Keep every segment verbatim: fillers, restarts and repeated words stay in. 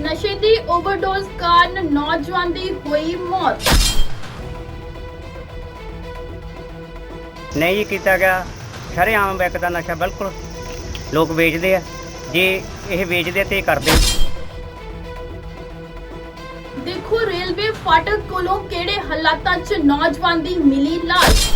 नशे की ओवरडोज कारण नौजवान की हुई मौत। नहीं जी किया गया शरेआम विकदा नशा बिल्कुल लोग बेचते हैं जे ये बेचते तो करते। देखो रेलवे फाटक कोलों केड़े हालातां च नौजवान दी मिली लाश।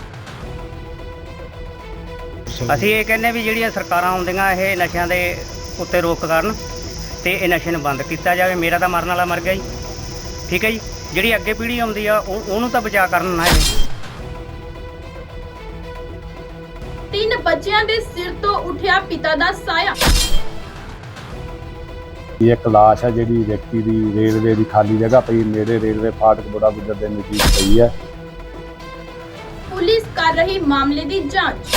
ਅਸੀਂ ਇਹ ਕਹਿੰਦੇ ਵੀ ਜਿਹੜੀਆਂ ਸਰਕਾਰਾਂ ਆਉਂਦੀਆਂ ਇਹ ਨਸ਼ਿਆਂ ਦੇ ਉੱਤੇ ਰੋਕ ਕਰਨ ਤੇ ਇਹ ਨਸ਼ੇ ਨੂੰ ਬੰਦ ਕੀਤਾ ਜਾਵੇ। ਮੇਰਾ ਤਾਂ ਮਰਨ ਵਾਲਾ ਮਰ ਗਿਆ ਜੀ, ਠੀਕ ਹੈ ਜੀ। ਜਿਹੜੀ ਅੱਗੇ ਪੀੜ੍ਹੀ ਆਉਂਦੀ ਆ ਉਹ ਉਹਨੂੰ ਤਾਂ ਬਚਾ ਕਰਨ ਨਾ ਇਹ। तीन बच्चियां दे सिर तो उठिया पिता दा साया। एक लाश है जी व्यक्ति की रेलवे की खाली जगह पई नेड़े रेलवे फाटक बड़ा गुजर के नजदीक पई है। पुलिस कर रही मामले की जांच।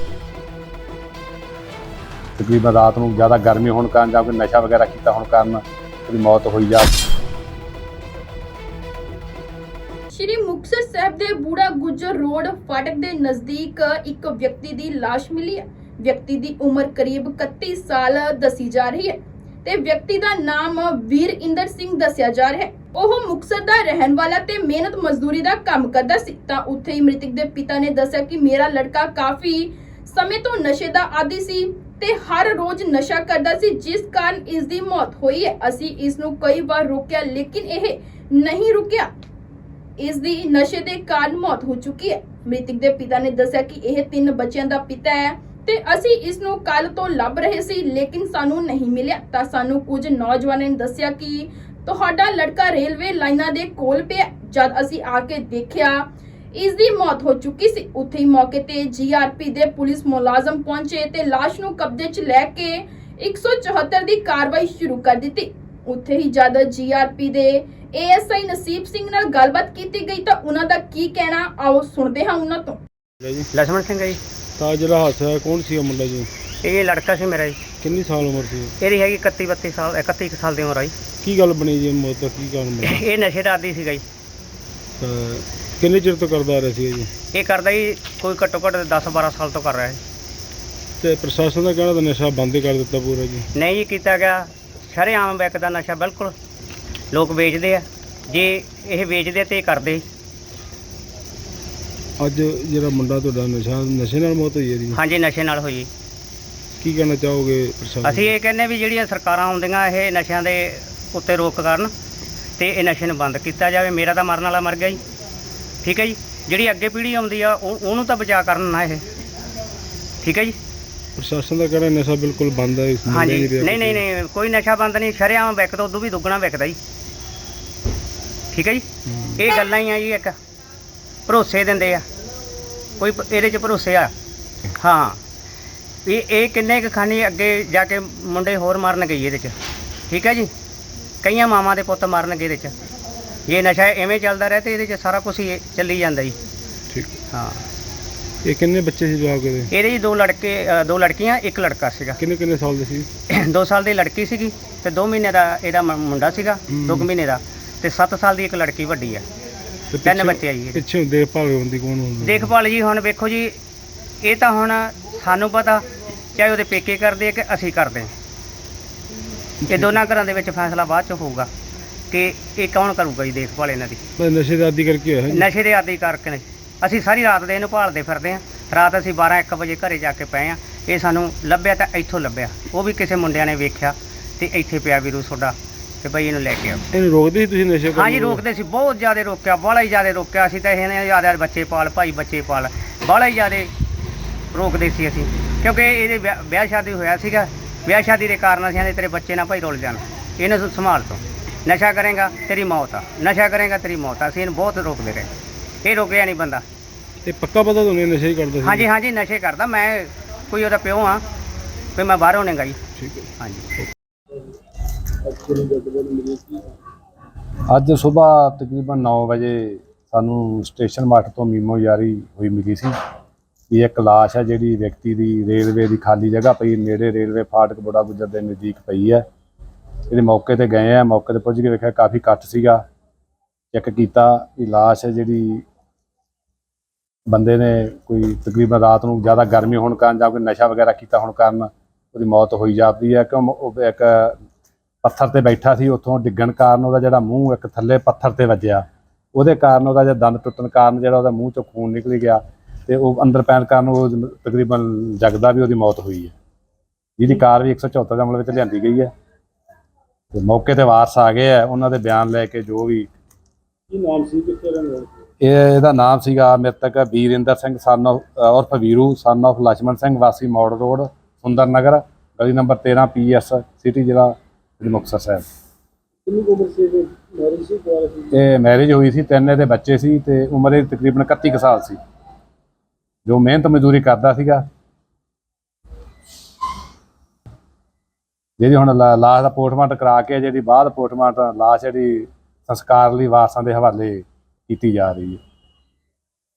तकरीबन रात को ज़्यादा गर्मी होने कारण या कोई नशा वगैरह किया होने कारण उसकी मौत हुई जा। श्री मुक्तसर साहब दे बूढ़ा गुजर रोड फाटक दे नजदीक एक व्यक्ति दी लाश मिली है। व्यक्ति दी उम्र करीब इकतीस साल दसी जा रही है ते व्यक्ति दा नाम वीर इंदर सिंह दसिया जा रहा है। ओह मुक्तसर दा रहन वाला ते मेहनत मजदूरी दा काम करदा सी तां उत्थे ही मृतक दे पिता ने दस्सिया कि मेरा लड़का काफी समय तो नशे दा आदी सी ते हर रोज नशा करदा सी जिस कारण इस दी मौत हुई है। असी इस नू कई बार रोकिया लेकिन यह नहीं रुकिया। इस दी नशे दे कारण मौत हो चुकी है। मृतक दे पिता ने दस्सिया कि यह तीन बच्चों का पिता है ते असी इस नू कल तो लभ रहे सी लेकिन सानू नहीं मिलिया। तां सानू कुछ नौजवानों ने दस्सिया कि तुहाडा लड़का रेलवे लाइनां दे कोल पिया। जद असी आके देखिया इस दी मौत हो चुकी सी। उत्थे ही मौके ते जीआरपी दे पुलिस मुलाजम पहुंचे ते लाश नू कब्जे च लैके एक सौ चौहत्तर दी कार्रवाई शुरू कर दी। उत्थे ही जद जीआरपी दे एएसआई नसीब सिंह नाल गलबात कीती गई तां उन्हां दा की कहना आओ सुनदे हां उन्हां तो। लक्ष्मण सिंह जी ਤਾਂ ਜਿਹੜਾ ਹਾਦਸਾ ਹੈ ਕੌਣ ਸੀ ਉਹ ਮੁੰਡਾ ਜੀ? ਇਹ ਲੜਕਾ ਸੀ ਮੇਰਾ ਜੀ। ਕਿੰਨੀ ਸਾਲ ਉਮਰ ਸੀ? ਇਹਦੀ ਹੈਗੀ ਇਕੱਤੀ ਬੱਤੀ ਸਾਲ ਇਕੱਤੀ ਕੁ ਸਾਲ ਦੀ ਉਮਰ ਆ ਜੀ। ਕੀ ਗੱਲ ਬਣੀ ਜੀ ਮੌਤ ਦਾ ਕੀ ਕਾਰਨ ਬਣਿਆ? ਇਹ ਨਸ਼ੇ ਦਾ ਆਦੀ ਸੀਗਾ ਜੀ। ਤਾਂ ਕਿੰਨੇ ਚਿਰ ਤੋਂ ਕਰਦਾ ਆ ਰਿਹਾ ਸੀ ਜੀ? ਇਹ ਕਰਦਾ ਜੀ ਕੋਈ ਘੱਟੋ ਘੱਟ ਦਸ ਬਾਰਾਂ ਸਾਲ ਤੋਂ ਕਰ ਰਿਹਾ ਹੈ। ਤੇ ਪ੍ਰਸ਼ਾਸਨ ਦਾ ਕਹਿਣਾ ਤਾਂ ਨਸ਼ਾ ਬੰਦ ਕਰ ਦਿੱਤਾ ਪੂਰਾ ਜੀ? ਨਹੀਂ ਜੀ ਕੀਤਾ ਗਿਆ ਸ਼ਰੇਆਮ ਵਿਕਦਾ ਨਸ਼ਾ ਬਿਲਕੁਲ ਲੋਕ ਵੇਚਦੇ ਆ ਜੇ ਇਹ ਵੇਚਦੇ ਤੇ ਕਰਦੇ। ਅੱਜ ਜਿਹੜਾ ਮੁੰਡਾ ਤੁਹਾਡਾ ਨਸ਼ਾ ਨਸ਼ੇ ਨਾਲ ਮੌਤ ਹੋਈ ਹੈ ਜੀ? ਹਾਂਜੀ ਨਸ਼ੇ ਨਾਲ ਹੋਈ। ਕੀ ਕਹਿਣਾ ਚਾਹੋਗੇ ਪ੍ਰਸ਼ਾਸਨ? ਅਸੀਂ ਇਹ ਕਹਿੰਦੇ ਵੀ ਜਿਹੜੀਆਂ ਸਰਕਾਰਾਂ ਆਉਂਦੀਆਂ ਇਹ ਨਸ਼ਿਆਂ ਦੇ ਉੱਤੇ ਰੋਕ ਕਰਨ ਤੇ ਇਹ ਨਸ਼ੇ ਨੂੰ ਬੰਦ ਕੀਤਾ ਜਾਵੇ। ਮੇਰਾ ਤਾਂ ਮਰਨ ਵਾਲਾ ਮਰ ਗਿਆ ਜੀ, ਠੀਕ ਹੈ ਜੀ। ਜਿਹੜੀ ਅੱਗੇ ਪੀੜ੍ਹੀ ਆਉਂਦੀ ਆ ਉਹ ਉਹਨੂੰ ਤਾਂ ਬਚਾ ਕਰਨ ਨਾ ਇਹ, ਠੀਕ ਹੈ ਜੀ। ਪ੍ਰਸ਼ਾਸਨ ਦਾ ਕਹਿਣਾ ਨਸ਼ਾ ਬਿਲਕੁਲ ਬੰਦ ਹੈ ਇਸ ਹਾਂਜੀ ਨਹੀਂ ਨਹੀਂ ਨਹੀਂ ਕੋਈ ਨਸ਼ਾ ਬੰਦ ਨਹੀਂ, ਸ਼ਰੇਆਮ ਵਿਕਦਾ ਉਦੋਂ ਵੀ ਦੁੱਗਣਾ ਵਿਕਦਾ ਜੀ, ਠੀਕ ਹੈ ਜੀ। ਇਹ ਗੱਲਾਂ ਹੀ ਆ ਜੀ, ਇੱਕ ਭਰੋਸੇ ਦਿੰਦੇ ਆ ਕੋਈ ਇਹਦੇ 'ਚ ਭਰੋਸੇ ਆ। ਹਾਂ ਇਹ ਇਹ ਕਿੰਨੇ ਕੁ ਖਾਨੀ ਅੱਗੇ ਜਾ ਕੇ ਮੁੰਡੇ ਹੋਰ ਮਰਨ ਗਈ ਇਹਦੇ 'ਚ, ਠੀਕ ਹੈ ਜੀ। ਕਈਆਂ ਮਾਵਾਂ ਦੇ ਪੁੱਤ ਮਰਨਗੇ ਇਹਦੇ 'ਚ ਜੇ ਨਸ਼ਾ ਐਵੇਂ ਚੱਲਦਾ ਰਹੇ ਤੇ ਇਹਦੇ 'ਚ ਸਾਰਾ ਕੁਝ ਹੀ ਚੱਲੀ ਜਾਂਦਾ ਜੀ। ਠੀਕ ਹਾਂ ਇਹ ਕਿੰਨੇ ਬੱਚੇ ਸੀ ਜਵਾਬ ਦੇ? ਇਹਦੇ ਜੀ ਦੋ ਲੜਕੇ ਅ, ਦੋ ਲੜਕੀਆਂ ਇੱਕ ਲੜਕਾ ਸੀਗਾ। ਕਿੰਨੇ ਕਿੰਨੇ ਸਾਲ ਦੇ ਸੀ? ਦੋ ਸਾਲ ਦੀ ਲੜਕੀ ਸੀਗੀ ਤੇ ਦੋ ਮਹੀਨੇ ਦਾ ਇਹਦਾ ਮ- ਮੁੰਡਾ ਸੀਗਾ, ਦੋ ਕੁ ਮਹੀਨੇ ਦਾ, ਤੇ ਸੱਤ ਸਾਲ ਦੀ ਇੱਕ ਲੜਕੀ ਵੱਡੀ ਆ। ਤੇ ਤਿੰਨ ਪਿੱਛੇ- ਬੱਚੇ ਆ ਜੀ ਇਹਦੇ। ਪਿੱਛੇ ਦੇਖਭਾਲ ਹੁੰਦੀ ਕੌਣ ਹੁੰਦਾ? ਦੇਖਭਾਲ ਜੀ ਹੁਣ ਵੇਖੋ ਜੀ ਇਹ ਤਾਂ ਹੁਣ ਸਾਨੂੰ ਪਤਾ ਚਾਹੇ ਉਹਦੇ ਪੇਕੇ ਕਰਦੇ ਆ ਕਿ ਅਸੀਂ ਕਰਦੇ ਹਾਂ। ਇਹ ਦੋਨਾਂ ਘਰਾਂ ਦੇ ਵਿੱਚ ਫੈਸਲਾ ਬਾਅਦ ਚ ਹੋਊਗਾ ਕਿ ਇਹ ਕੌਣ ਕਰੂਗਾ ਜੀ ਦੇਖਭਾਲ ਇਹਨਾਂ ਦੀ। ਬਸ ਨਸ਼ੇ ਦਾ ਆਦੀ ਕਰਕੇ ਹੋਇਆ ਜੀ? ਨਸ਼ੇ ਦੇ ਆਦੀ ਕਰਕੇ ਨੇ। ਅਸੀਂ ਸਾਰੀ ਰਾਤ ਦੇ ਇਹਨੂੰ ਭਾਲਦੇ ਫਿਰਦੇ ਹਾਂ। ਰਾਤ ਅਸੀਂ ਬਾਰਾਂ ਇੱਕ ਵਜੇ ਘਰੇ ਜਾ ਕੇ ਪਏ ਹਾਂ। ਇਹ ਸਾਨੂੰ ਲੱਭਿਆ ਤਾਂ ਇੱਥੋਂ ਲੱਭਿਆ, ਉਹ ਵੀ ਕਿਸੇ ਮੁੰਡਿਆਂ ਨੇ ਵੇਖਿਆ ਤੇ ਇੱਥੇ ਪਿਆ ਵੀਰੂ ਤੁਹਾਡਾ ਤੇ ਬਈ ਇਹਨੂੰ ਲੈ ਕੇ ਆਓ। ਇਹਨੂੰ ਰੋਕਦੇ ਸੀ ਤੁਸੀਂ ਨਸ਼ੇ ਹਾਂਜੀ ਰੋਕਦੇ ਸੀ, ਬਹੁਤ ਜ਼ਿਆਦਾ ਰੋਕਿਆ, ਬਾਹਲਾ ਹੀ ਜ਼ਿਆਦਾ ਰੋਕਿਆ। ਅਸੀਂ ਤਾਂ ਇਹਨੇ ਜ਼ਿਆਦਾ ਬੱਚੇ ਪਾਲ ਭਾਈ ਬੱਚੇ ਪਾਲ ਬਾਹਲਾ ਹੀ ਜ਼ਿਆਦਾ ਰੋਕਦੇ ਸੀ ਅਸੀਂ, ਕਿਉਂਕਿ ਇਹਦੇ ਵਿਆਹ ਵਿਆਹ ਸ਼ਾਦੀ ਹੋਇਆ ਸੀਗਾ। ਵਿਆਹ ਸ਼ਾਦੀ ਦੇ ਕਾਰਨ ਅਸੀਂ ਆਂਦੇ ਤੇਰੇ ਬੱਚੇ ਨਾ ਭਾਈ ਰੁੱਲ ਜਾਣ, ਇਹਨੂੰ ਤੂੰ ਸੰਭਾਲ ਤੂੰ, ਨਸ਼ਾ ਕਰੇਗਾ ਤੇਰੀ ਮੌਤ ਆ, ਨਸ਼ਾ ਕਰੇਗਾ ਤੇਰੀ ਮੌਤ ਆ। ਅਸੀਂ ਇਹਨੂੰ ਬਹੁਤ ਰੋਕਦੇ ਰਹੇ, ਇਹ ਰੋਕਿਆ ਨਹੀਂ ਬੰਦਾ। ਤੇ ਪੱਕਾ ਪਤਾ ਤੁਹਾਨੂੰ ਨਸ਼ਾ ਹੀ ਕਰਦਾ ਸੀ? ਹਾਂਜੀ ਹਾਂਜੀ ਨਸ਼ੇ ਕਰਦਾ। ਮੈਂ ਕੋਈ ਉਹਦਾ ਪਿਓ ਹਾਂ, ਕੋਈ ਮੈਂ ਬਾਹਰੋਂ ਨਹੀਂ ਗਈ। ਠੀਕ ਹੈ। ਹਾਂਜੀ ਅੱਜ ਸੁਬਾਹ ਤਕਰੀਬਨ ਨੌ ਵਜੇ ਸਾਨੂੰ ਸਟੇਸ਼ਨ ਮਾਠ ਤੋਂ ਮੀਮੋ ਜਾਰੀ ਹੋਈ ਮਿਲੀ ਸੀ ਕਿ ਇੱਕ ਲਾਸ਼ ਹੈ ਜਿਹੜੀ ਵਿਅਕਤੀ ਦੀ ਰੇਲਵੇ ਦੀ ਖਾਲੀ ਜਗ੍ਹਾ ਪਈ ਨੇੜੇ ਰੇਲਵੇ ਫਾਟਕ ਬੜਾ ਗੁਜਰ ਦੇ ਨਜ਼ਦੀਕ ਪਈ ਹੈ। ਇਹਦੇ ਮੌਕੇ ਤੇ ਗਏ ਆ, ਮੌਕੇ ਤੇ ਪੁੱਜ ਕੇ ਵੇਖਿਆ ਕਾਫੀ ਇਕੱਠ ਸੀਗਾ। ਚੈੱਕ ਕੀਤਾ ਕਿ ਲਾਸ਼ ਹੈ ਜਿਹੜੀ ਬੰਦੇ ਨੇ ਕੋਈ ਤਕਰੀਬਨ ਰਾਤ ਨੂੰ ज़्यादा गर्मी होने कारण या कोई नशा वगैरह किया होने कारण उसकी मौत हुई जाती है। क्यों एक ਪੱਥਰ ਤੇ ਬੈਠਾ ਸੀ, ਉੱਥੋਂ ਡਿੱਗਣ ਕਾਰਨ ਉਹਦਾ ਜਿਹੜਾ ਮੂੰਹ ਇੱਕ ਥੱਲੇ ਪੱਥਰ ਤੇ ਵੱਜਿਆ, ਉਹਦੇ ਕਾਰਨ ਉਹਦਾ ਜਿਹੜਾ ਦੰਦ ਟੁੱਟਣ ਕਾਰਨ ਜਿਹੜਾ ਉਹਦਾ ਮੂੰਹ ਚੋਂ ਖੂਨ ਨਿਕਲ ਗਿਆ ਤੇ ਉਹ ਅੰਦਰ ਪੈਣ ਕਾਰਨ ਉਹ ਤਕਰੀਬਨ ਜਗਦਾ ਵੀ ਉਹਦੀ ਮੌਤ ਹੋਈ ਹੈ, ਜਿਹਦੀ ਕਾਰ ਵੀ ਇੱਕ ਸੌ ਚੌਹੱਤਰ ਦੇ ਅਮਲ ਵਿੱਚ ਲਿਆਂਦੀ ਗਈ ਹੈ। ਤੇ ਮੌਕੇ ਤੇ ਵਾਰਸ ਆ ਗਏ ਆ, ਉਹਨਾਂ ਦੇ ਬਿਆਨ ਲੈ ਕੇ ਜੋ ਵੀ ਕੀ ਨਾਮ ਸੀ, ਕਿੱਥੇ ਰਹਿੰਦੇ ਹੋ? ਇਹ ਇਹਦਾ ਨਾਮ ਸੀਗਾ ਮ੍ਰਿਤਕ ਵੀਰਿੰਦਰ ਸਿੰਘ ਸਨ ਆਫ ਉਰਫ ਵੀਰੂ ਸਨ ਆਫ ਲਛਮਣ ਸਿੰਘ ਵਾਸੀ ਮੌੜ ਰੋਡ ਸੁੰਦਰ ਨਗਰ ਗਲੀ ਨੰਬਰ ਤੇਰਾਂ ਪੀ ਐਸ ਸਿਟੀ ਜ਼ਿਲ੍ਹਾ ਸ੍ਰੀ ਮੁਕਤਸਰ ਸਾਹਿਬ। ਕਿੰਨੀ ਕੁ ਉਮਰ ਸੀ ਇਹਦੀ? ਮੈਰਿਜ ਸੀ, ਕੁਆਰਾ ਸੀ? ਇਹ ਮੈਰਿਜ ਹੋਈ ਸੀ, ਤਿੰਨ ਇਹਦੇ ਬੱਚੇ ਸੀ ਤੇ ਉਮਰ ਇਹਦੀ ਤਕਰੀਬਨ ਇਕੱਤੀ ਕੁ ਸਾਲ ਸੀ। ਜੋ ਮਿਹਨਤ ਮਜ਼ਦੂਰੀ ਕਰਦਾ ਸੀਗਾ। ਜਿਹਦੀ ਹੁਣ ਲਾ- ਲਾਸ਼ ਦਾ ਪੋਸਟਮਾਰਟਮ ਕਰਾ ਕੇ ਜਿਹੜੀ ਬਾਅਦ ਪੋਸਟਮਾਰਟਮ ਲਾਸ਼ ਜਿਹੜੀ ਸੰਸਕਾਰ ਲਈ ਵਾਰਸਾਂ ਦੇ ਹਵਾਲੇ ਕੀਤੀ ਜਾ ਰਹੀ ਹੈ।